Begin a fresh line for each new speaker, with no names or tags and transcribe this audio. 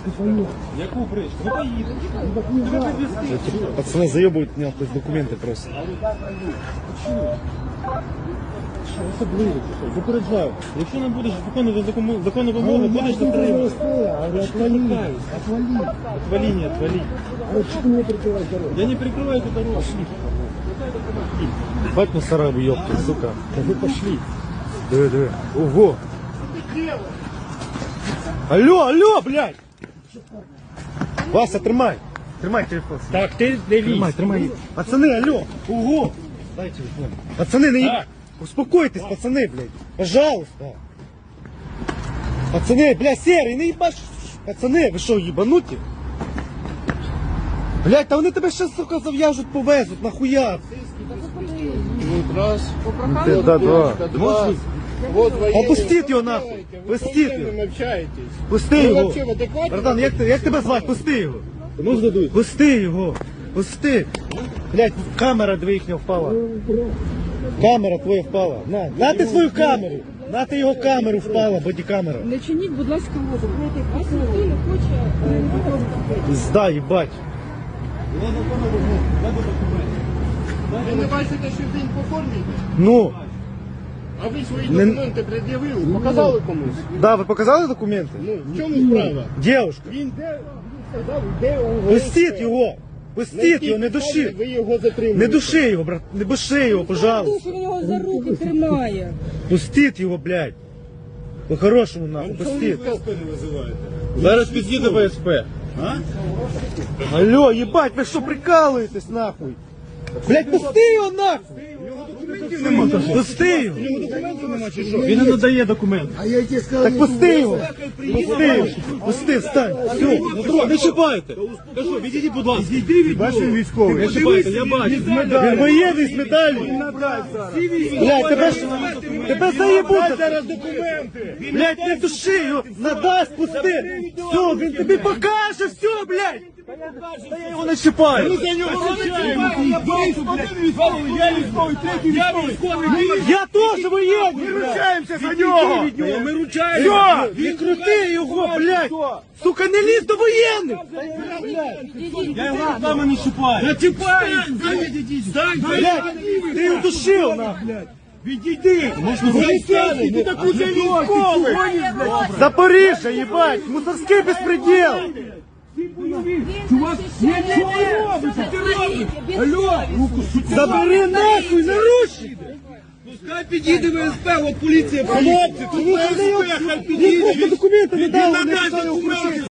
Яку бричку? Ну поїдемо. Тебе підвезти.
Пацаны заебывают меня, то есть документы просто.
Особливо, попереджаю. Якщо не будеш виконувати законну вимогу, будеш затриманий.
Отвали.
Отвали, не отвали.
Что ты мне прикрываешь дорогу?
Я не прикрываю эту дорогу.
Бать мусора ёпки, сука.
Да вы пошли.
Диви. Ого. Алло, блядь. Вася, тримай. Тримай телефон.
Так, ти дивись.
Тримай. Пацаны, алло. Ого. Дай телефон. Пацаны,
Так.
Успокойтесь, пацаны, блядь. Пожалуйста. Пацаны, блядь, серый, не ебаш. Пацаны, ви що, ебануті? Блядь, та вони тебе ще, сука, зав'яжуть, повезуть, нахуя?
Раз.
Да, два.
Можешь
Вот военные.
Опустіть його нахуй.
Вы с
Пустіть
военным
його.
общаетесь.
Пусти
Ви
його.
вообще в адекваті?
Братан, як тебе звати? Пусти його.
Ну здадуть.
Пусти його. Пусти. Блядь, камера дві їхня впала. Камера твоя впала. На ти свою камеру. На ти його камеру впала, бодікамера.
Не чиніть, будь ласка, воду. Вас ніхто не хоче.
Пизда, їбать.
Ви не бачите, що він по формі йде?
Ну,
А ви свої
Не-
документи пред'явили, показали комусь?
да, ви показали документи?
Ну, в чому справа?
Дівушка,
Він де, сказав, де у
пустіть його. Пустіть його, не души.
Ви його затримуєте.
Не души його, брат. Не души його, пожалуйста.
Що він його за руки тримає.
Пустіть його, блядь. По-хорошому, нахуй, пустіть.
Зараз під'їде ВСП.
Алло, ебать, ви що прикалуєтесь, нахуй? Блядь, пусти його нахуй! Пусти його!
Він не надає документи.
Так пусти його! Пусти його! Пусти, встань! Все!
Не чіпайте. Кажу, відійдіть, будь ласка.
Бачиш, він військовий.
Не чіпайте, я бачу.
Він воєнний з медаллю! Блядь, тебе заєбуть!
Зараз документи!
Блядь, не души його! Надасть, пусти! Все, він тобі покаже, все, блядь! Та я його не чіпаю! Я теж воєнний! Ми ручаємося за нього!
Ми ручаємо.
Він крути його, блядь! Сука, не лізь до воєнних!
Я його руками не чіпаю. Не чіпаю.
Блядь, ти його душив, нахуй!
Відійди. Можна вийти. Ти таку військовий.
Запоріжжя, їбать! Мусорський безпреділ!
Чувак, що ви робите? Ти робиш? Алло!
Забери нахуй, наручники!
Пускай підійде ВСП, от поліція.
Хлопці, тому що ви його документи не дали, не писали у